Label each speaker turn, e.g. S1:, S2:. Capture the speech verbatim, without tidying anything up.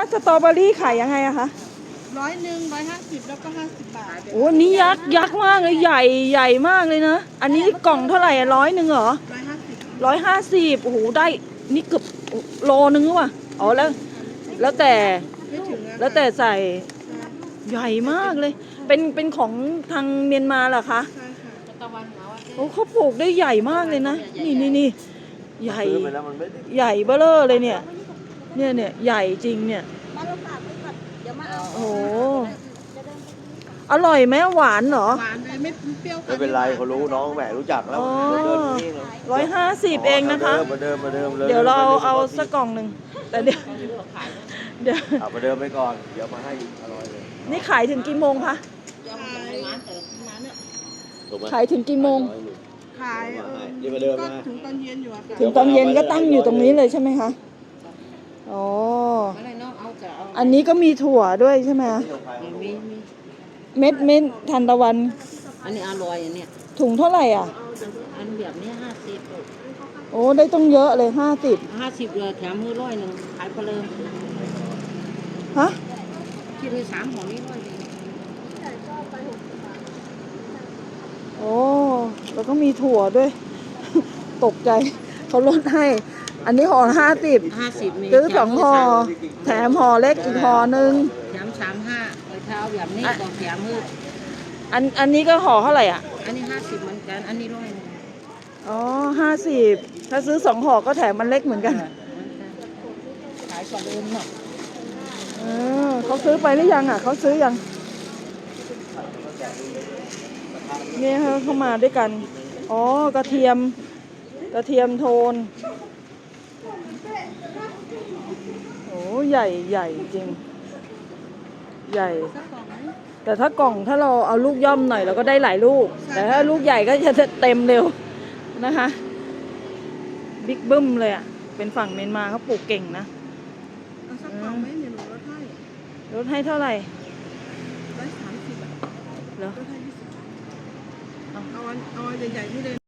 S1: สตรอเบอรี่ขายยังไงอะคะ
S2: ร้อยหนึ่งร้อยห้าสิบแล้วก็ห้าสิบบาท
S1: โอ้นี่ยักษ์ยักษ์มากเลยใหญ่ใหญ่มากเลยนะอันนี้กล่องเท่าไหร่อะร้อยหนึ่งเหรอ
S2: ร้อยห้าสิบ
S1: ร้อยห้าสิบโอ้โหได้นี่เกือบโลนึงว่ะอ๋อแล้วแล้วแต่
S2: ไม่ถึง
S1: แล้วแต่ใส่ใหญ่มากเลยเป็นเป็นของทางเมียนมาเหรอคะ
S2: ใช่ค่ะตะวันเหรอ
S1: โอ้เขาปลูกได้ใหญ่มากเลยนะนี่นี่นี่ใหญ่
S3: ซื้อไปแล้วมันไม่ได้
S1: ใหญ่เบ้อเร่อเลยเนี่ยเนี่ยเนี่ยใหญ่จริงเนี่ยโอ้โหอร่อยไหมหวานเหรอ
S2: หวานเลยไม่เปรี้ยว
S3: ไม่เป็นไรเขารู้น้องแหมรู้จักแล้วเดินนี่เลย
S1: ร้อยห้าสิบเองนะคะ
S3: มาเดิมมาเดิมเลย
S1: เดี๋ยวเราเอาสักกล่องหนึ่งแต่เดี๋ยวเดี๋ยว
S3: เอามาเดิมไปก่อนเดี๋ยวมาให้อร่อยเลย
S1: นี่ขายถึงกี่โมงคะ
S2: ขาย
S1: ขายถึงกี่โมง
S2: ขายเออ
S3: นี่มาเดิม
S2: ก็
S3: มา
S2: ถึงตอนเย็นอยู่อะค่ะ
S1: ถึงตอนเย็นก็ตั้งอยู่ตรงนี้เลยใช่ไหมคะอ๋ออันนี้ก็มีถั่วด้วยใช่ไหม
S4: มีมี
S1: เม็ดเม็ดทานตะวัน
S4: อันนี้อร่อยอันเนี้ย
S1: ถุงเท่าไหร่อ่ะ
S4: อันแบบนี้ห้าสิบ
S1: โอ้ได้ต้องเยอะเลยห้าสิบ
S4: ห้าสิบเลยแถมมือร้อยหนึ่งขายเพลิน
S1: ฮะ
S4: คิดเลยสามห่อนี้ร้อย
S1: โอ้แล้วก็มีถั่วด้วย ตกใจเขาลดให้อันนี้ห่อห้าสิบ
S4: ห้าสิบ
S1: ซื้อสองห่อแถมห่อเล็กอีกห่อหนึ่ง
S4: แถมสามห้าเลยเท้าแบบนี้ก็แถมมือ
S1: อันอันนี้ก็ห่อเท่าไหร่อ่ะ
S4: อันนี้ห้าสิบเหมือนกันอันนี้ร้อย
S1: อ๋อห้าสิบถ้าซื้อสองห่อก็แถมมันเล็กเหมือนกัน
S4: ขายกว่าเดิมเนาะ
S1: เออเขาซื้อไปหรือยังอ่ะเขาซื้อยังเนี่ยเขามาด้วยกันอ๋อกระเทียมกระเทียมโทนโอ้ใหญ่ใหญ่จริงใหญ่แต่ถ้ากล่องถ้าเราเอาลูกย่อมหน่อยเราก็ได้หลายลูกแต่ถ้าลูกใหญ่ก็จะเต็มเร็วนะคะบิ๊กบึ้มเลยอ่ะเป็นฝั่งเมียนมาเขาปลูกเก่งนะ
S2: เอาสักกล่องไหมเดี๋ยวหนูลดให้
S1: ลดให้เท่าไหร่
S2: ร้อยสามสิบอะ
S1: เหรอ
S2: ลดให้ยี่สิบเอาอันเอาใหญ่ๆนี่เลย